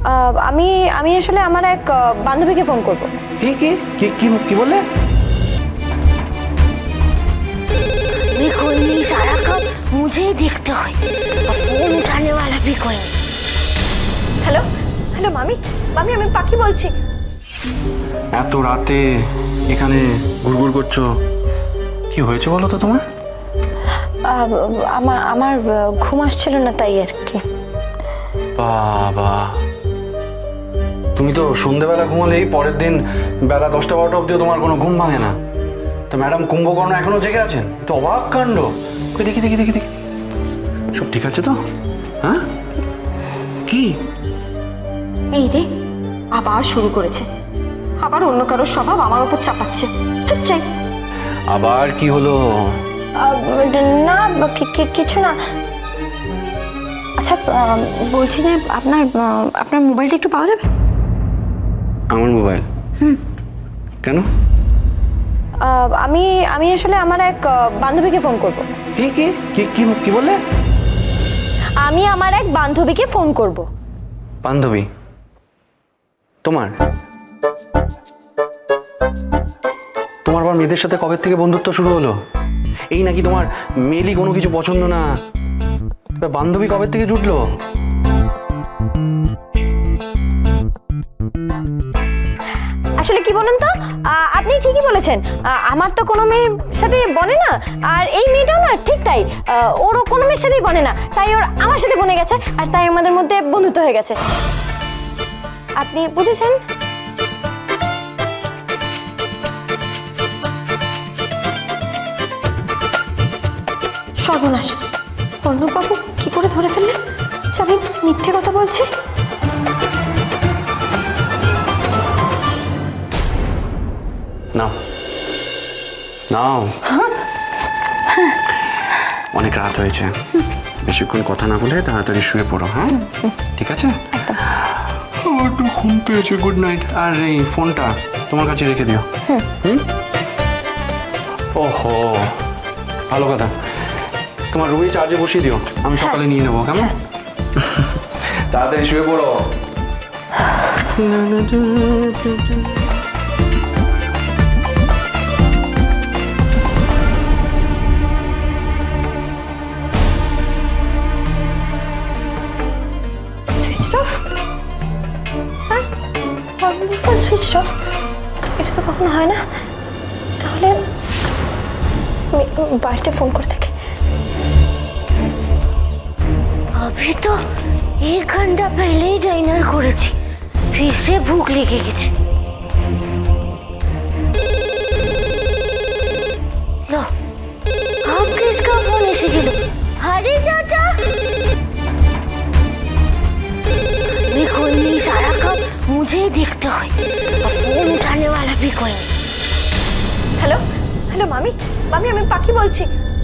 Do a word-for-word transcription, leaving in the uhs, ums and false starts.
আমি আমি আসলে আমার এক বান্ধবীকে ফোন করব। কি কি কি কি কি বললে? भी कोई नहीं, सारा काम मुझे ही देखते हुए फोन उठाने वाला भी कोई नहीं। হ্যালো হ্যালো মামি, মামি আমি পাখি বলছি। এত রাতে এখানে ঘুরঘুর করছো, কি হয়েছে বলো তো তোমার? আমার আমার ঘুম আসছিল না তাই আর কি। বাবা, তুমি তো সন্ধ্যেবেলা ঘুমালেই পরের দিন বেলা দশটা বারোটা অব্দিও তোমার কোনো ঘুম ভাঙে না। তো ম্যাডাম কুম্ভকর্ণ এখনো জেগে আছেন? তো অবাক কাণ্ড। ওই দেখি দেখি দেখি দেখি সব ঠিক আছে তো? হ্যাঁ কি এই রে, আবার শুরু করেছে, আবার অন্য কারোর স্বভাব আমার উপর চাপাচ্ছে। চুপ চাই। আবার কি হলো? না কি- কি- কিছু না। আচ্ছা বলছি যে আপনার আপনার মোবাইলটা একটু পাওয়া যাবে? আমার মোবাইল? হুম। কেন? আমি আমি আসলে আমার এক বান্ধবীকে ফোন করব। কি কি কি কি কি বললে? আমি আমার এক বান্ধবীকে ফোন করব। বান্ধবী তোমার? তোমার আবার মেয়েদের সাথে কবে থেকে বন্ধুত্ব শুরু হলো? এই নাকি তোমার মেয়েলি কোনো কিছু পছন্দ না, বান্ধবী কবে থেকে জুটলো? আসলে কি বলুন তো, আপনি ঠিকই বলেছেন, আমার তো কোনো মেয়ের সাথে বনে না, আর এই মেয়েটাও না ঠিক তাই, ওরও কোনো মেয়ের সাথেই বনে না, তাই ওর আমার সাথে বনে গেছে, আর তাই আমাদের মধ্যে বন্ধুত্ব হয়ে গেছে। আপনি বুঝেছেন? সর্বনাশ, অর্ণববাবু কি করে ধরে ফেললেন যে আমি মিথ্যে কথা বলছি? নাও নাও, অনেক রাত হয়েছে, বেশিক্ষণ কথা না বলে তাড়াতাড়ি শুয়ে পড়ো। হ্যাঁ ঠিক আছে? আমার একটু ঘুম পেয়েছে, গুড নাইট। আর এই ফোনটা তোমার কাছে রেখে দিও। হুম। ওহো, ভালো কথা, তোমার রুমে চার্জে বসিয়ে দিও, আমি সকালে নিয়ে নেবো। কেমন? তাড়াতাড়ি শুয়ে পড়ো। Switch off? এটা তো কখনো হয় না। তাহলে আমি বাড়িতে ফোন করে থাকি। अभी तो एक घंटा पहले ही डिनर করেছি, फिर से भूख लेके গেছে। लो, अब किसका फोन এসে গেল? अरे चाचा, भी कोई नहीं, सारा काम मुझे ही देखते हुए फोन उठाने वाला भी कोई नहीं। হ্যালো হ্যালো মামি, মামি আমি পাখি বলছি।